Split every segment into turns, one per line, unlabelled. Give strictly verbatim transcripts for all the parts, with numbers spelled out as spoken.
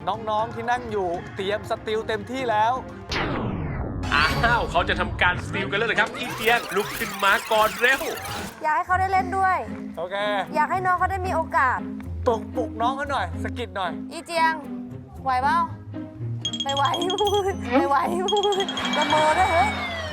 น้องๆที่นั่งอยู่เตรียมสติลเต็มที่แล้ว
อ้าวเขาจะทำการสติลกันแล้วเหรอครับอีเจียงลุกขึ้นมาก่อนเร็ว
อยากให้เขาได้เล่นด้วย
โอเค
อยากให้น้องเขาได้มีโอกาส
ปลุกปลุกน้องเขาหน่อยสกิดหน่อย
อีเจียง ไหวเปล่าไม่ไหวไม่ไหวละเมอด้วยเฮ้ย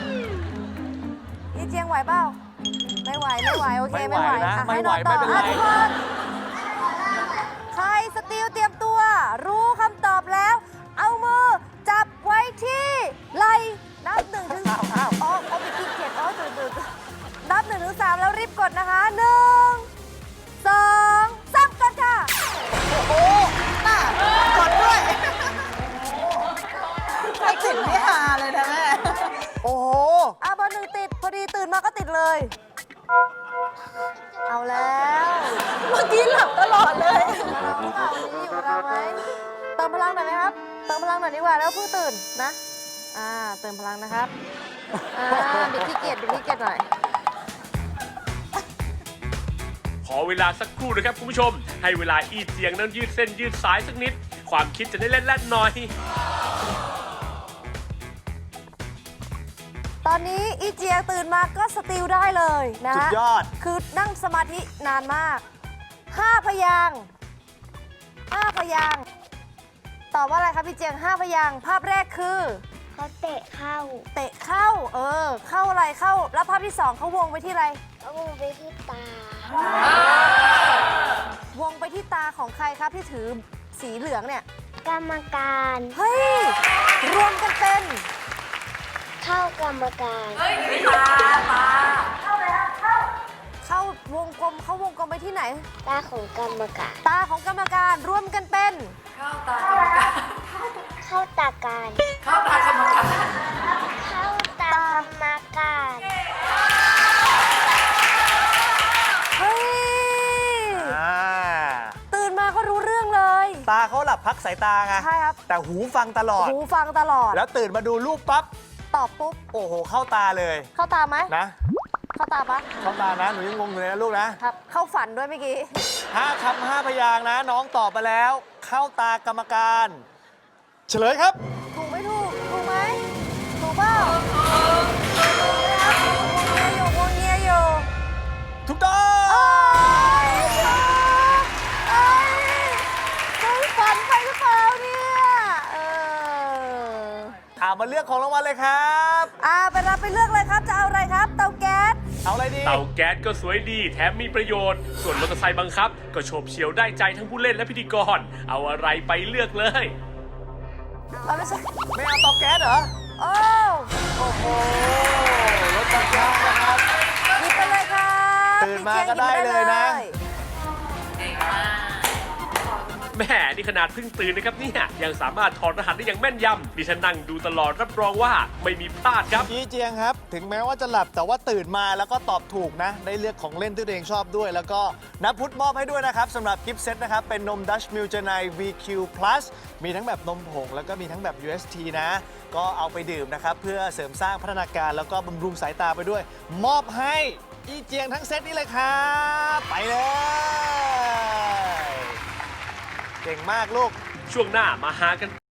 อีเจียงไหวเปล่าไม่ไหวไม่ไหวโอเค
ไม่
ไม่
ไห
ไห
ว
ว
นะ
อ่ะ
ไม่
ให้
ไหว
น้องต่อ
ไม่เป็นไร
อ่ะทุกคนใครสติลเตรียมตัว รู้คำตอบแล้ว เอามือจับไว้ที่ไหล่นับหนึ่งถึง
อ้าวอ้าว
อ๋อเอาไปขี้เกียจอ๋อตื่นตื่นตื่นนับหนึ่งถึงสามแล้วรีบกดนะคะหนึ่งสองสามกดค่ะ
โอ้น่ากดด้วยใครติดนี่ฮาเลยนะแม่
โอ้โห
อ่ะเบอร์หนึ่งติด พอดีตื่นมาก็ติดเลย เอาแล้ว
เมื่อกี้หลับตลอดเลย
มาเราหรือเปล่าวันนี้อยู่กับเราไหมเติมพลังหน่อยไหมครับ เติมพลังหน่อยดีกว่าแล้วเพิ่งตื่นนะ อ่า เติมพลังนะครับ อ่าบิดขี้เกียจบิดขี้เกียจหน่อย
ขอเวลาสักครู่นะครับคุณผู้ชม ให้เวลาอีเจียงนั้นยืดเส้นยืดสายสักนิด ความคิดจะได้เล่นแล่นๆหน่อย
ตอนนี้อีเจียงตื่นมาก็สติลได้เลยนะ
สุดยอด
คือนั่งสมาธินานมากห้าพยางค์ห้าพยางค์ตอบว่าอะไรครับพี่เจียงห้าพยางค์ภาพแรกคือ
เขาเตะเข้า
เตะเข้า เออ เข้าอะไรเข้า แล้วภาพที่สองเขาวงไปที่อะไร
เขาวงไปที่ตา
วงไปที่ตาของใครครับที่ถือสีเหลืองเนี่ย
กรรมการ
เฮ้ย รวมกันเป็น
เข้ากรรมการ
เข้าวงกลมเข้าวงกลมไปที่ไหน
ตาของกรรมการ
ตาของกรรมการรวมกันเป็น
เข้าตาการ เข้าตากรรมการ เข้าตากรรมการ
เฮ้ย
อ่า
ตื่นมาก็รู้เรื่องเลย
ตาเขาหลับพักสายตาไง
ใช่ครับ
แต่หูฟังตลอด
หูฟังตลอด
แล้วตื่นมาดูรูปปั๊บ
ตอบปุ๊บ
โอ้โห เข้าตาเลย
เข้าตาไหม
นะ
เข้าตาปะ
เข้าตานะ หนูยังงงอยู่เลยนะลูกนะ
ครับ เข้าฝันด้วยเมื่อกี้
ห้าคำห้าพยางค์นะ น้องตอบมาแล้ว เข้าตากรรมการ เฉลยครับ
ถูกไม่ถูก ถูกไหม ถูกเปล่าถูกไหมครับวงเงียอยู่วงเงียอยู่
ถูกต้อง
โอ้ยเอ้ยเคยฝันไปหรือเปล่าเนี่ย เออ
อ่ามาเลือกของรางวัลเลยครับ
อ่าไปรับไปเลือกเลยครับ จะเอาอะไรครับ เตาแก๊ส
เอาอะไรดี
เตาแก๊สก็สวยดีแถมมีประโยชน์ ส่วนมอเตอร์ไซค์บังคับ ก็โฉบเฉี่ยวได้ใจทั้งผู้เล่นและพิธีกร เอาอะไรไปเลือกเลย
เอาไม่ใช่
ไม่เอาเตาแก๊สเหรอ
โอ้
โอ้โห รถจักรยานนะครับ
หยิบไปเลยครับ
ตื่นมาก็ได้เลยนะ
แหมนี่ขนาดเพิ่งตื่นนะครับเนี่ยยังสามารถถอดรหัสได้อย่างแม่นยำดิฉันนั่งดูตลอดรับรองว่าไม่มีพลาดครับ
พี่เจียงครับ ถึงแม้ว่าจะหลับแต่ว่าตื่นมาแล้วก็ตอบถูกนะ ได้เลือกของเล่นที่ตัวเองชอบด้วย แล้วก็นับพุทธมอบให้ด้วยนะครับสำหรับกิฟต์เซตนะครับ เป็นนม Dutch Mill Jenai วี คิว Plus มีทั้งแบบนมผง แล้วก็มีทั้งแบบ ยู เอส ที นะ ก็เอาไปดื่มนะครับ เพื่อเสริมสร้างพัฒนาการแล้วก็บำรุงสายตาไปด้วย มอบให้อีเจียงทั้งเซตนี้เลยครับ ไปเลย เก่งมากลูก
ช่วงหน้ามาหากัน